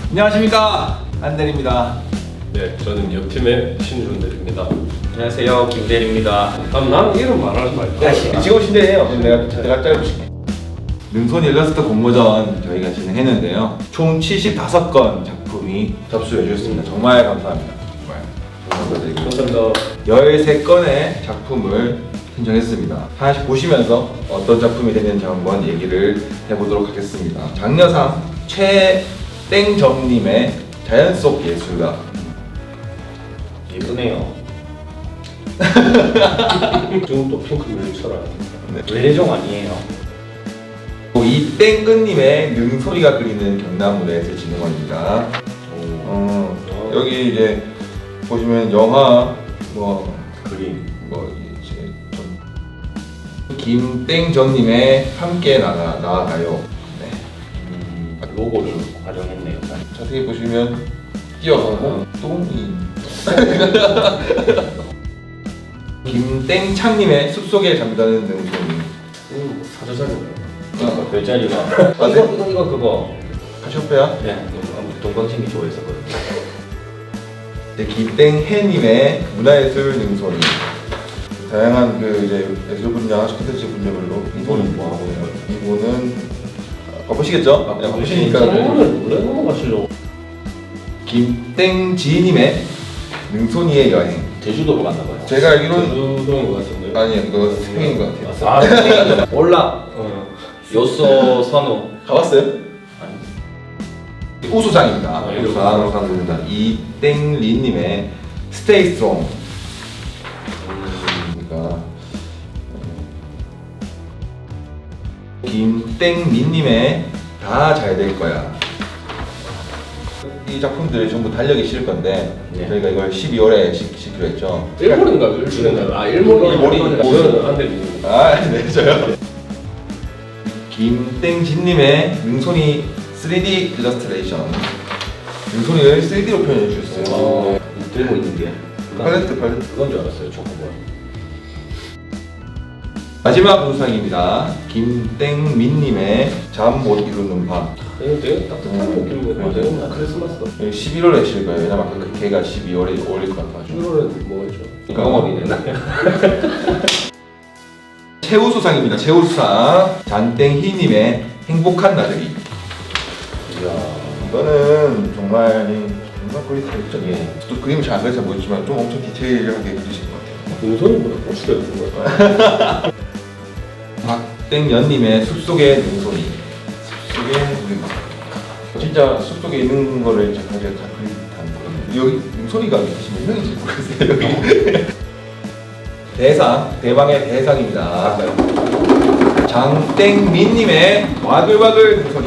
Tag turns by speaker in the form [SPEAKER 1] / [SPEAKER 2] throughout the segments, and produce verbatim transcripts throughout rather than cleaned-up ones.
[SPEAKER 1] 안녕하십니까, 안대리입니다.
[SPEAKER 2] 네, 저는 옆팀의 신준대리입니다.
[SPEAKER 3] 안녕하세요, 김대리입니다.
[SPEAKER 2] 아, 난 이름 말하지 말까?
[SPEAKER 1] 지금 신대예요. 내가 내가 짧으실게. 능손 일러스트 공모전 저희가 진행했는데요. 총 칠십오 건 작품이 접수해 주셨습니다. 정말 감사합니다. 정말 감사드리고
[SPEAKER 2] 감사합니다.
[SPEAKER 1] 열세 건의 작품을 선정했습니다. 하나씩 보시면서 어떤 작품이 되는지 한번 얘기를 해보도록 하겠습니다. 장려상 최땡정님의 자연 속 예술가.
[SPEAKER 3] 예쁘네요.
[SPEAKER 2] 지금 또 핑크 뮤직처럼.
[SPEAKER 3] 외래종 아니에요?
[SPEAKER 1] 이땡근님의 능소리가 그리는 경남무대에서 진흥원입니다. 어, 여기 이제 보시면 영화 뭐
[SPEAKER 3] 그림.
[SPEAKER 1] 뭐 이제 좀 김땡정님의 함께 나가 나가요. 네.
[SPEAKER 3] 음, 로고를 활용했네요.
[SPEAKER 1] 자세히 보시면 뛰어가고 똥이. 김땡창님의 숲속에 잠자는 능소리.
[SPEAKER 2] 음, 사자자리네.
[SPEAKER 1] 어,
[SPEAKER 3] 별자리가.
[SPEAKER 1] 아, 네?
[SPEAKER 3] 이거, 이거 이거 그거.
[SPEAKER 1] 카시오페아.
[SPEAKER 3] 네. 동방신기 좋아했었거든요.
[SPEAKER 1] 이제 김땡해님의 문화예술 능소리. 다양한 그 이제 예술 분야, 콘텐츠 분야별로
[SPEAKER 3] 이거는 뭐 하고 있는 거예요?
[SPEAKER 1] 이거는 아, 보시겠죠? 네, 보시니까
[SPEAKER 2] 오늘 왜 넘어가시려고?
[SPEAKER 1] 김땡지님의 능손이의 여행.
[SPEAKER 3] 제주도로 갔나 봐요.
[SPEAKER 1] 제가 알기로는
[SPEAKER 2] 제주도인 것 같은데.
[SPEAKER 1] 아니요, 이거 스페인인 것 같아요.
[SPEAKER 3] 아, 네. 올라.
[SPEAKER 2] 어.
[SPEAKER 3] 요소 선호.
[SPEAKER 1] 가봤어요?
[SPEAKER 3] 아니.
[SPEAKER 1] 우수상입니다.
[SPEAKER 2] 아,
[SPEAKER 1] 우수상 우수상입니다. 이땡리님의 Stay Strong. 그러니까 김땡민님의 다 잘 될 거야. 이 작품들이 전부 달력에 실을 건데
[SPEAKER 3] 네.
[SPEAKER 1] 저희가 이걸 십이월에 시키기로 했죠.
[SPEAKER 2] 일본인가 일본인가? 아 일본이
[SPEAKER 1] 일본이.
[SPEAKER 2] 보면 안 됩니다.
[SPEAKER 1] 아, 네, 저요. 김땡진님의 능손이 쓰리디 일러스트레이션. 능손이를 쓰리디로 표현해 주셨어요.
[SPEAKER 3] 어, 들고 있는 게.
[SPEAKER 1] 팔레트, 팔레트.
[SPEAKER 3] 그건 줄 알았어요, 초코볼.
[SPEAKER 1] 마지막 우수상입니다. 김땡민님의 잠 못 이루는 밤.
[SPEAKER 2] 이거 되게 따뜻한 느낌인데 맞아요. 크리스마스다.
[SPEAKER 1] 십일월에 실 거예요. 왜냐면 그 걔가 십이월에 어울릴 것 같아가지고.
[SPEAKER 2] 일월에 뭐 했죠?
[SPEAKER 3] 영업이 됐나?
[SPEAKER 1] 최우수상입니다. 최우수상 잔땡희님의 행복한 나들이.
[SPEAKER 3] 이야.
[SPEAKER 1] 이거는 정말 정말 거의 다 했죠.
[SPEAKER 3] 예.
[SPEAKER 1] 또 그림을 잘 안 그려서 모르지만 좀 엄청 디테일하게 그리신 것 같아요.
[SPEAKER 2] 능선이보다 꽃이 되는 거야.
[SPEAKER 1] 박땡연님의 숲속의 능손이. 숲속의 능손이. 진짜 숲속에 있는 거를 제가 다 그린 듯한 여기 능손이가 몇 명인지 모르겠어요. 여기. 대상, 대방의 대상입니다. 장땡민님의 와글와글 능손이.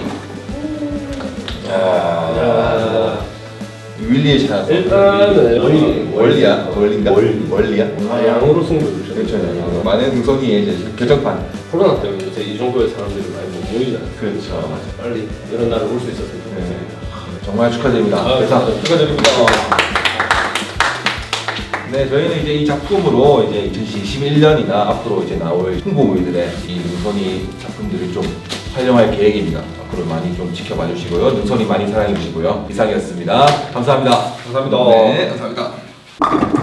[SPEAKER 1] 야, 윌리의 찾았어.
[SPEAKER 2] 일단은
[SPEAKER 1] 원리, 원리야, 원리인가?
[SPEAKER 3] 원리.
[SPEAKER 1] 원리야?
[SPEAKER 2] 아 양으로 승부를
[SPEAKER 1] 그렇죠.
[SPEAKER 2] 주셨죠.
[SPEAKER 1] 많은 능손이의 이제 결정판.
[SPEAKER 2] 코로나 때문에 요새 이 정도의 사람들이 많이 못 모이잖아요.
[SPEAKER 1] 그렇죠.
[SPEAKER 2] 빨리 이런 날을 올 수 있었으면 좋겠습니다.
[SPEAKER 1] 정말 축하드립니다.
[SPEAKER 2] 아,
[SPEAKER 1] 대상
[SPEAKER 2] 감사합니다.
[SPEAKER 1] 축하드립니다. 네, 저희는 이제 이 작품으로 이제 이천이십일 년이나 앞으로 이제 나올 홍보물들의 이 능선이 작품들을 좀 촬영할 계획입니다. 앞으로 많이 좀 지켜봐 주시고요. 능선이 많이 사랑해 주시고요. 이상이었습니다. 감사합니다.
[SPEAKER 3] 감사합니다.
[SPEAKER 1] 네, 감사합니다.